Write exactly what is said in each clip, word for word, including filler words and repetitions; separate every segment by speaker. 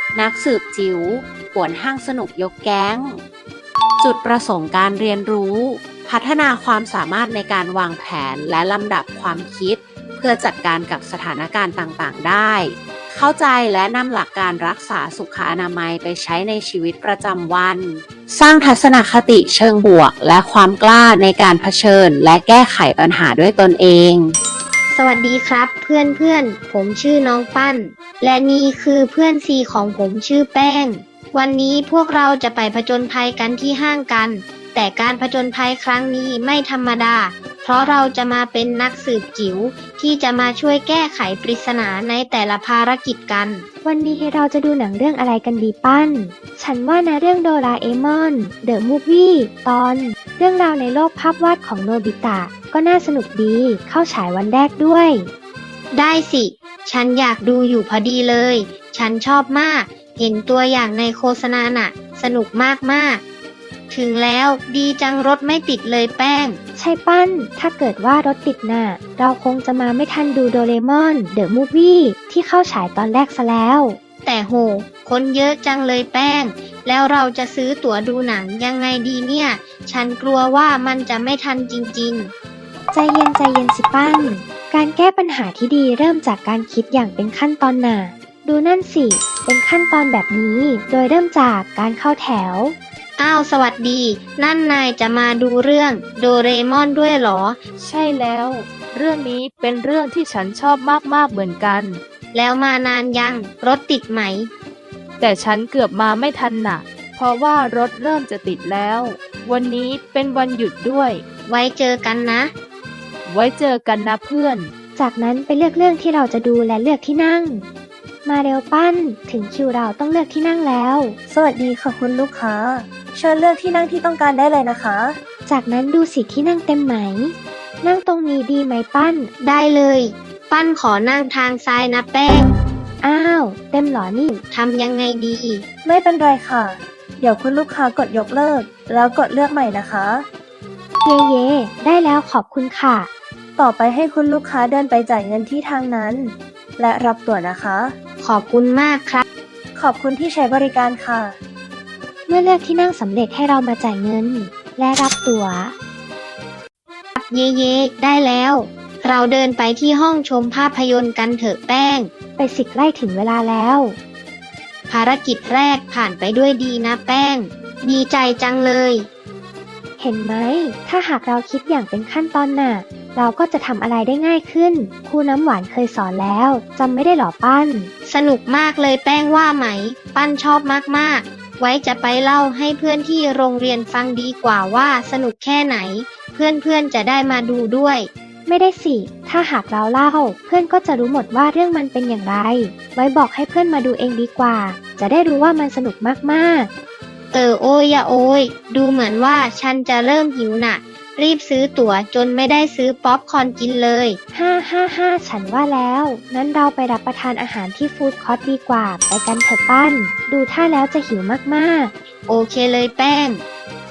Speaker 1: นักสืบจิ๋วป่วนห้างสนุกยกแก๊งจุดประสงค์การเรียนรู้พัฒนาความสามารถในการวางแผนและลำดับความคิดเพื่อจัดการกับสถานการณ์ต่างๆได้เข้าใจและนำหลักการรักษาสุขอนามัยไปใช้ในชีวิตประจำวันสร้างทัศนคติเชิงบวกและความกล้าในการเผชิญและแก้ไขปัญหาด้วยตนเอง
Speaker 2: สวัสดีครับเพื่อนเพื่อนผมชื่อน้องปั้นและนี่คือเพื่อนซีของผมชื่อแป้งวันนี้พวกเราจะไปผจญภัยกันที่ห้างกันแต่การผจญภัยครั้งนี้ไม่ธรรมดาเพราะเราจะมาเป็นนักสืบจิ๋วที่จะมาช่วยแก้ไขปริศนาในแต่ละภารกิจกัน
Speaker 3: วันนี้เราจะดูหนังเรื่องอะไรกันดีปั้นฉันว่านะเรื่องโดราเอมอนเดอะมูฟวี่ตอนเรื่องราวในโลกภาพวาดของโนบิตะก็น่าสนุกดีเข้าฉายวันแรกด้วย
Speaker 2: ได้สิฉันอยากดูอยู่พอดีเลยฉันชอบมากเห็นตัวอย่างในโฆษณาน่ะสนุกมากๆถึงแล้วดีจังรถไม่ติดเลยแป้ง
Speaker 3: ใช่ปั้นถ้าเกิดว่ารถติดน่ะเราคงจะมาไม่ทันดูโดเรมอนเดอะมูฟวี่ที่เข้าฉายตอนแรกซะแล้ว
Speaker 2: แต่โหคนเยอะจังเลยแป้งแล้วเราจะซื้อตั๋วดูหนังยังไงดีเนี่ยฉันกลัวว่ามันจะไม่ทันจริง
Speaker 3: ๆใจเย็นใจเย็นสิปั้นการแก้ปัญหาที่ดีเริ่มจากการคิดอย่างเป็นขั้นตอนน่ะดูนั่นสิเป็นขั้นตอนแบบนี้โดยเริ่มจากการเข้าแถว
Speaker 2: อ้าวสวัสดีนั่นนายจะมาดูเรื่องโดเรมอนด้วยเหรอ
Speaker 4: ใช่แล้วเรื่องนี้เป็นเรื่องที่ฉันชอบมากๆเหมือนกัน
Speaker 2: แล้วมานานยังรถติดไหม
Speaker 4: แต่ฉันเกือบมาไม่ทันน่ะเพราะว่ารถเริ่มจะติดแล้ววันนี้เป็นวันหยุดด้วย
Speaker 2: ไว้เจอกันนะ
Speaker 4: ไว้เจอกันนะเพื่อน
Speaker 3: จากนั้นไปเลือกเรื่องที่เราจะดูและเลือกที่นั่งมาเร็วปั้นถึงคิวเราต้องเลือกที่นั่งแล้ว
Speaker 5: สวัสดีค่ะคุณลูกค้าเชิญเลือกที่นั่งที่ต้องการได้เลยนะคะ
Speaker 3: จากนั้นดูสิที่นั่งเต็มไหมนั่งตรงนี้ดีไหมปั้น
Speaker 2: ได้เลยปั้นขอนั่งทางซ้ายนะแป้ง
Speaker 3: อ้าวเต็มหรอนี่
Speaker 2: ทำยังไงดี
Speaker 5: ไม่เป็นไรค่ะเดี๋ยวคุณลูกค้ากดยกเลิกแล้วกดเลือกใหม่นะคะ
Speaker 3: เย่เย่ได้แล้วขอบคุณค่ะ
Speaker 5: ต่อไปให้คุณลูกค้าเดินไปจ่ายเงินที่ทางนั้นและรับตั๋วนะคะ
Speaker 2: ขอบคุณมากครับ
Speaker 5: ขอบคุณที่ใช้บริการค่ะ
Speaker 3: เมื่อเลือกที่นั่งสำเร็จให้เรามาจ่ายเงินและรับตั๋ว
Speaker 2: เย่เย่ได้แล้วเราเดินไปที่ห้องชมภาพยนตร์กันเถอะแป้ง
Speaker 3: ไปสิใกล้ถึงเวลาแล้ว
Speaker 2: ภารกิจแรกผ่านไปด้วยดีนะแป้งดีใจจังเลย
Speaker 3: เห็นไหมถ้าหากเราคิดอย่างเป็นขั้นตอนน่ะเราก็จะทำอะไรได้ง่ายขึ้นครูน้ำหวานเคยสอนแล้วจำไม่ได้หรอปั้น
Speaker 2: สนุกมากเลยแป้งว่าไหมปั้นชอบมากๆไว้จะไปเล่าให้เพื่อนที่โรงเรียนฟังดีกว่าว่าสนุกแค่ไหนเพื่อนๆจะได้มาดูด้วย
Speaker 3: ไม่ได้สิถ้าหากเราเล่าเพื่อนก็จะรู้หมดว่าเรื่องมันเป็นอย่างไรไว้บอกให้เพื่อนมาดูเองดีกว่าจะได้รู้ว่ามันสนุกมาก
Speaker 2: ๆเออโอ้ยอย่าโอ้ยดูเหมือนว่าฉันจะเริ่มหิวน่ะรีบซื้อตั๋วจนไม่ได้ซื้อป๊อปคอร์นกินเลย
Speaker 3: ฮ่าฮ่าฮ่าฉันว่าแล้วนั้นเราไปรับประทานอาหารที่ฟู้ดคอร์ทดีกว่าไปกันเถอะปั้นดูท่าแล้วจะหิวมาก
Speaker 2: ๆโอเคเลยแป้ง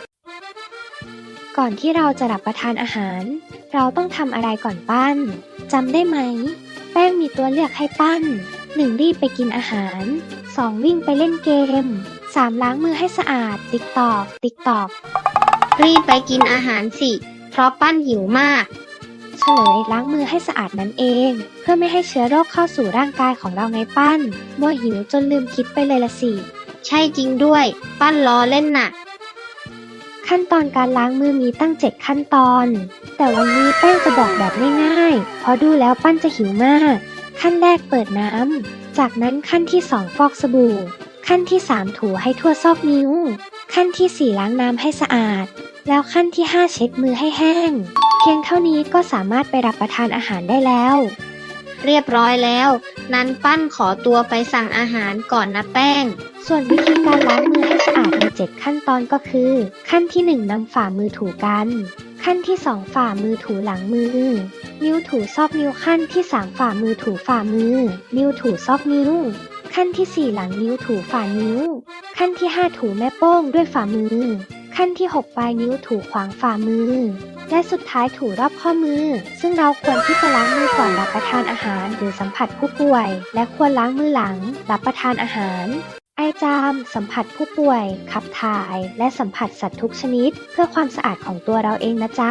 Speaker 3: ก่อนที่เราจะรับประทานอาหารเราต้องทำอะไรก่อนปั้นจำได้ไหมแป้งมีตัวเลือกให้ปั้นหนึ่งรีบไปกินอาหารสองวิ่งไปเล่นเกมสามล้างมือให้สะอาดติ๊กตอกติ๊กตอก
Speaker 2: รีบไปกินอาหารสิเพราะปั้นหิวมาก
Speaker 3: เฉลยล้างมือให้สะอาดนั่นเองเพื่อไม่ให้เชื้อโรคเข้าสู่ร่างกายของเราไงปั้นมัวหิวจนลืมคิดไปเลยละสิ
Speaker 2: ใช่จริงด้วยปั้นล้อเล่นน่ะ
Speaker 3: ขั้นตอนการล้างมือมีตั้งเจ็ดขั้นตอนแต่วันนี้แป้งจะบอกแบบง่ายๆเพราะดูแล้วปั้นจะหิวมากขั้นแรกเปิดน้ำจากนั้นขั้นที่สองฟอกสบู่ขั้นที่สามถูให้ทั่วซอกนิ้วขั้นที่สี่ล้างน้ำให้สะอาดแล้วขั้นที่ห้าเช็ดมือให้แห้งเพียงเท่านี้ก็สามารถไปรับประทานอาหารได้แล้ว
Speaker 2: เรียบร้อยแล้วนั้นปั้นขอตัวไปสั่งอาหารก่อนนะแป้ง
Speaker 3: ส่วนวิธีการล้างมือให้สะอาดมีเจ็ดขั้นตอนก็คือขั้นที่หนึ่งนำฝ่ามือถูกันขั้นที่สองฝ่ามือถูหลังมือนิ้วถูซอกนิ้วขั้นที่สามฝ่ามือถูฝ่ามือนิ้วถูซอกนิ้วขั้นที่สี่หลังนิ้วถูฝ่านิ้วขั้นที่ห้าถูแม่โป้งด้วยฝ่ามือขั้นที่หกปลายนิ้วถูขวางฝ่ามือและสุดท้ายถูรอบข้อมือซึ่งเราควรที่จะล้างมือก่อนรับประทานอาหารหรือสัมผัสผู้ป่วยและควรล้างมือหลังรับประทานอาหารไอจามสัมผัสผู้ป่วย ขับถ่าย และสัมผัสสัตว์ทุกชนิด เพื่อความสะอาดของตัวเราเองนะจ๊ะ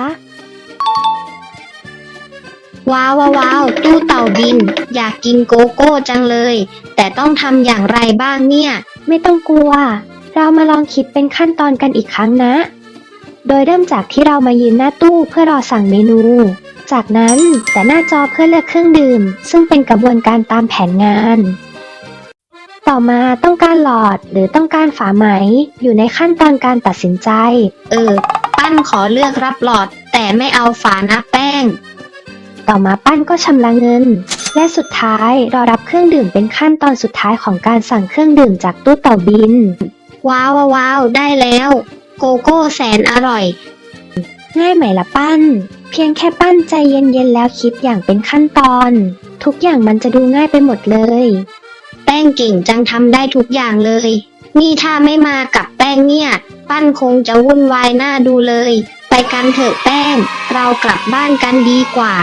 Speaker 2: ว้าวว้าวว้าวตู้เต่าบิน อยากกินโกโก้จังเลย แต่ต้องทำอย่างไรบ้างเนี่ย
Speaker 3: ไม่ต้องกลัว เรามาลองคิดเป็นขั้นตอนกันอีกครั้งนะ โดยเริ่มจากที่เรามายืนหน้าตู้เพื่อรอสั่งเมนู จากนั้นแต่หน้าจอเพื่อเลือกเครื่องดื่ม ซึ่งเป็นกระบวนการตามแผนงาน ต่อมาต้องการหลอดหรือต้องการฝาไหม อยู่ในขั้นตอนการตัดสินใจ
Speaker 2: เออ ปั้นขอเลือกรับหลอด แต่ไม่เอาฝานะแป้ง
Speaker 3: ต่อมาปั้นก็ชำระเงิน และสุดท้ายรอรับเครื่องดื่มเป็นขั้นตอนสุดท้ายของการสั่งเครื่องดื่มจากตู้เต่าบิน
Speaker 2: ว้าวว้าวว้าวได้แล้ว โกโก้แสนอร่อย
Speaker 3: ง่ายไหมล่ะปั้น เพียงแค่ปั้นใจเย็นๆแล้วคิดอย่างเป็นขั้นตอน ทุกอย่างมันจะดูง่ายไปหมดเลย
Speaker 2: แป้งเก่งจังทำได้ทุกอย่างเลย นี่ถ้าไม่มากับแป้งเนี่ย ปั้นคงจะวุ่นวายหน้าดูเลย ไปกันเถอะแป้ง เรากลับบ้านกันดีกว่า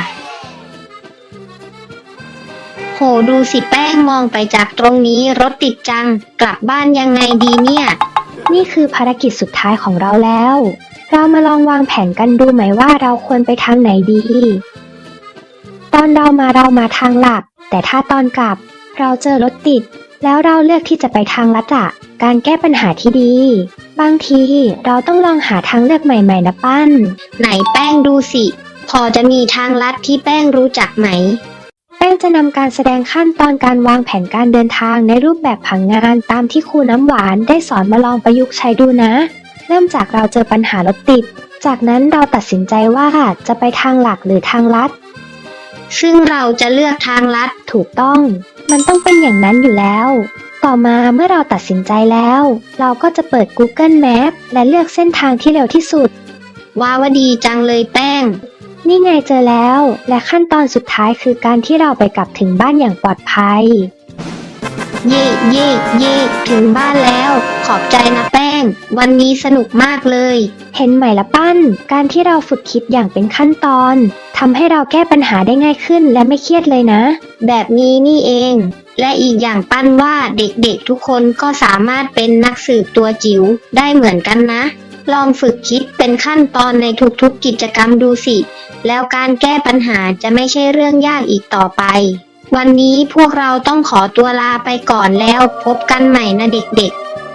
Speaker 2: โหดูสิแป้งมองไปจากตรงนี้รถติดจัง กลับบ้านยังไงดีเนี่ย
Speaker 3: นี่คือภารกิจสุดท้ายของเราแล้ว เรามาลองวางแผนกันดูไหมว่าเราควรไปทางไหนดี ตอนเรามาเรามาทางหลัก แต่ถ้าตอนกลับ เราเจอรถติด แล้วเราเลือกที่จะไปทางลัดอะการแก้ปัญหาที่ดี บางทีเราต้องลองหาทางเลือกใหม่ๆนะปั้น
Speaker 2: ไหนแป้งดูสิ พอจะมีทางลัดที่แป้งรู้จักไหม
Speaker 3: แป้งจะนำการแสดงขั้นตอนการวางแผนการเดินทางในรูปแบบผังงานตามที่ครูน้ำหวานได้สอนมาลองประยุกต์ใช้ดูนะ เริ่มจากเราเจอปัญหารถติด จากนั้นเราตัดสินใจว่าจะไปทางหลักหรือทางลัด
Speaker 2: ซึ่งเราจะเลือกทางลัด
Speaker 3: ถูกต้อง มันต้องเป็นอย่างนั้นอยู่แล้ว ต่อมาเมื่อเราตัดสินใจแล้ว เราก็จะเปิด Google Map และเลือกเส้นทางที่เร็วที่สุด
Speaker 2: ว้าวดีจังเลยแป้ง
Speaker 3: นี่ไงเจอแล้ว และขั้นตอนสุดท้ายคือการที่เราไปกลับถึงบ้านอย่างปลอดภัย
Speaker 2: เย่เย่เย่ถึงบ้านแล้ว ขอบใจนะแป้ง วันนี้สนุกมากเลย
Speaker 3: เห็นไหมละปั้น การที่เราฝึกคิดอย่างเป็นขั้นตอนทำให้เราแก้ปัญหาได้ง่ายขึ้นและไม่เครียดเลยนะ
Speaker 2: แบบนี้นี่เอง และอีกอย่างปั้นว่าเด็กๆทุกคนก็สามารถเป็นนักสืบตัวจิ๋วได้เหมือนกันนะ ลองฝึกคิดเป็นขั้นตอนในทุกๆกิจกรรมดูสิ แล้วการแก้ปัญหาจะไม่ใช่เรื่องยากอีกต่อไป วันนี้พวกเราต้องขอตัวลาไปก่อนแล้วพบกันใหม่นะเด็ก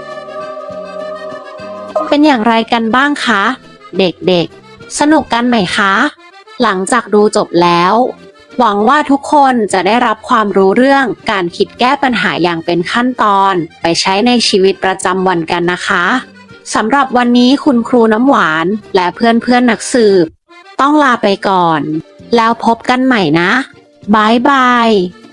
Speaker 2: ๆ
Speaker 1: เป็นอย่างไรกันบ้างคะ เด็กๆ สนุกกันไหมคะ หลังจากดูจบแล้ว หวังว่าทุกคนจะได้รับความรู้เรื่องการคิดแก้ปัญหาอย่างเป็นขั้นตอนไปใช้ในชีวิตประจำวันกันนะคะสำหรับวันนี้คุณครูน้ำหวานและเพื่อนๆนักสืบต้องลาไปก่อน แล้วพบกันใหม่นะบายบาย